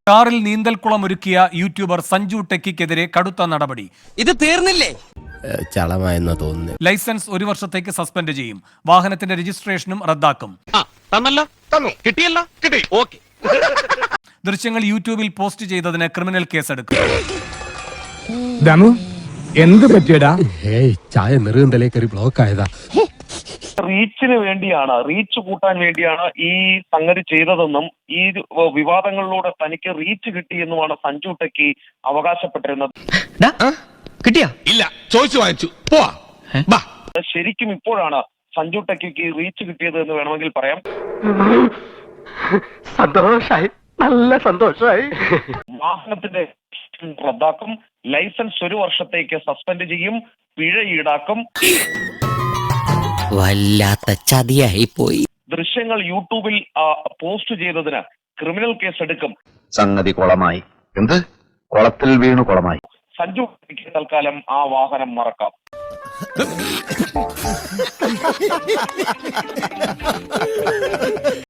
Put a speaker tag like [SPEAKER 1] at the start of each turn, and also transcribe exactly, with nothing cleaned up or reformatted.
[SPEAKER 1] കാറിൽ നീന്തൽക്കുളം ഒരുക്കിയ യൂട്യൂബർ സഞ്ജു ടെക്കിക്കെതിരെ കടുത്ത നടപടി.
[SPEAKER 2] ഇത് തീർന്നില്ലേ?
[SPEAKER 3] ചളമായെന്ന് തോന്നുന്നു.
[SPEAKER 1] ലൈസൻസ് ഒരു വർഷത്തേക്ക് സസ്പെൻഡ് ചെയ്യും. വാഹനത്തിന്റെ രജിസ്ട്രേഷനും റദ്ദാക്കും. ദൃശ്യങ്ങൾ യൂട്യൂബിൽ പോസ്റ്റ് ചെയ്തതിന് ക്രിമിനൽ കേസെടുക്കും.
[SPEAKER 4] എന്ത് പറ്റിയടാ?
[SPEAKER 3] ഏയ് ചായ നെറുകന്തലേ കയറി ബ്ലോക്ക് ആയതാ.
[SPEAKER 5] റീച്ചിന് വേണ്ടിയാണ്, റീച്ച് കൂട്ടാൻ വേണ്ടിയാണ് ഈ സംഗതി ചെയ്തതെന്നും ഈ വിവാദങ്ങളിലൂടെ തനിക്ക് റീച്ച് കിട്ടിയെന്നുമാണ് സഞ്ജു ടെക്കി അവകാശപ്പെട്ടിരുന്നത്.
[SPEAKER 2] കിട്ടിയാ?
[SPEAKER 6] ഇല്ല, ചോദിച്ചു വാങ്ങിച്ചു. പോവാ.
[SPEAKER 5] ശരിക്കും ഇപ്പോഴാണ് സഞ്ജു ടെക്കിക്ക് റീച്ച് കിട്ടിയത് എന്ന് വേണമെങ്കിൽ പറയാം.
[SPEAKER 7] സന്തോഷായി, നല്ല സന്തോഷായി.
[SPEAKER 5] വാഹനത്തിന്റെ റദ്ദാക്കും, ലൈസൻസ് ഒരു വർഷത്തേക്ക് സസ്പെൻഡ് ചെയ്യും, പിഴ ഈടാക്കും.
[SPEAKER 2] വല്ലാത്ത ചതിയായി പോയി.
[SPEAKER 5] ദൃശ്യങ്ങൾ യൂട്യൂബിൽ പോസ്റ്റ് ചെയ്തതിന് ക്രിമിനൽ കേസ് എടുക്കും.
[SPEAKER 8] സംഗതി കുളമായി. എന്ത് കുളത്തിൽ വീണു കുളമായി.
[SPEAKER 5] സഞ്ജു ടെക്കിക്ക് തൽക്കാലം ആ വാഹനം മറക്കാം.